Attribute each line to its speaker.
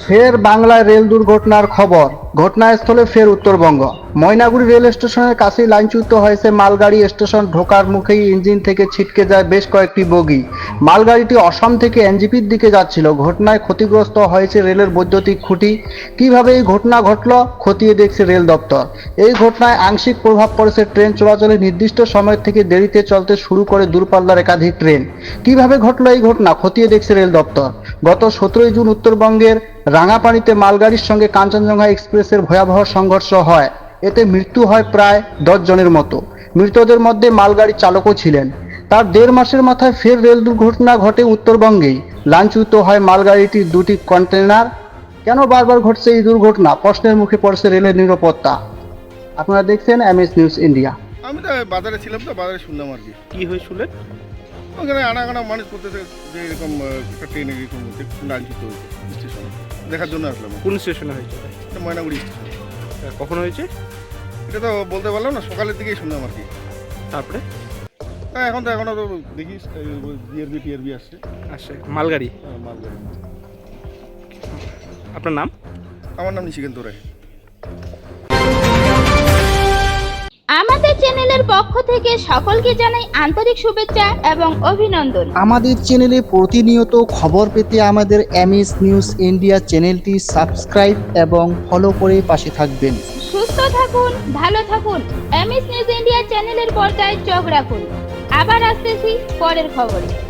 Speaker 1: ফের বাংলায় রেল দুর্ঘটনার খবর। ঘটনাস্থলে ফের উত্তরবঙ্গ। ময়নাগুড়ি রেল স্টেশনের কাছেই লাইনচ্যুত হয়েছে মালগাড়ি। স্টেশন ঢোকার মুখেই ইঞ্জিন থেকে ছিটকে যায় বেশ কয়েকটি বগি। মালগাড়িটি অসম থেকে এনজেপির দিকে যাচ্ছিল। ঘটনায় ক্ষতিগ্রস্ত হয়েছে রেলের বৈদ্যুতিক খুঁটি। কিভাবে এই ঘটনা ঘটল খতিয়ে দেখছে রেল দপ্তর। এই ঘটনায় আংশিক প্রভাব পড়েছে ট্রেন চলাচলে। নির্দিষ্ট সময় থেকে দেরিতে চলতে শুরু করে দূরপাল্লার একাধিক ট্রেন। কিভাবে ঘটল এই ঘটনা খতিয়ে দেখছে রেল দপ্তর। গত 17 জুন উত্তরবঙ্গের রাঙাপানিতে মালগাড়ির সঙ্গে কাঞ্চনজঙ্ঘা এক্সপ্রেসের ভয়াবহ সংঘর্ষ হয়। এতে মৃত্যু হয় প্রায় 10 জনের মতো। মৃতদের মধ্যে মালগাড়ির চালকও ছিলেন। তার 1.5 মাসের মাথায় ফের রেল দুর্ঘটনা ঘটে উত্তরবঙ্গেই। লাইনচ্যুত হয় মালগাড়িটির 2টি কন্টেনার। কেন বারবার ঘটছে এই দুর্ঘটনা? প্রশ্নের মুখে পড়ছে রেলের নিরাপত্তা। আপনারা দেখছেন এমএস নিউজ ইন্ডিয়া।
Speaker 2: আমি তো বাজারে ছিলাম, তো বাজারে শুনলাম আর কি।
Speaker 3: কি হয়ে শুনলেন?
Speaker 2: ওখানে আনাগানা মানুষ করতেছে যে এরকম একটা ট্রেন এরকম লাইনচ্যুত হয়েছে স্টেশনে, দেখার জন্য আসলাম।
Speaker 3: কোন স্টেশনে হয়েছে?
Speaker 2: এটা ময়নাগুড়ি স্টেশন।
Speaker 3: কখন হয়েছে?
Speaker 2: এটা তো বলতে পারলাম না, সকালের দিকেই শুনলাম আর কি।
Speaker 3: তারপরে
Speaker 2: এখন তো এখনও তো দেখিস ডিআরবি টিআরবি আসছে।
Speaker 3: আসছে মালগাড়ি।
Speaker 2: মালগাড়ি।
Speaker 3: আপনার নাম?
Speaker 2: আমার নাম নিশিকান্ত রায়।
Speaker 4: আমাদের চ্যানেলের পক্ষ থেকে সকলকে জানাই আন্তরিক শুভেচ্ছা এবং অভিনন্দন।
Speaker 1: আমাদের চ্যানেলে প্রতিনিয়ত খবর পেতে আমাদের এমএস নিউজ ইন্ডিয়া চ্যানেলটি সাবস্ক্রাইব এবং ফলো করে পাশে থাকবেন।
Speaker 4: সুস্থ থাকুন, ভালো থাকুন। এমএস নিউজ ইন্ডিয়া চ্যানেলের পর্দায় চোখ রাখুন। আবার আসতেছি পরের খবরে।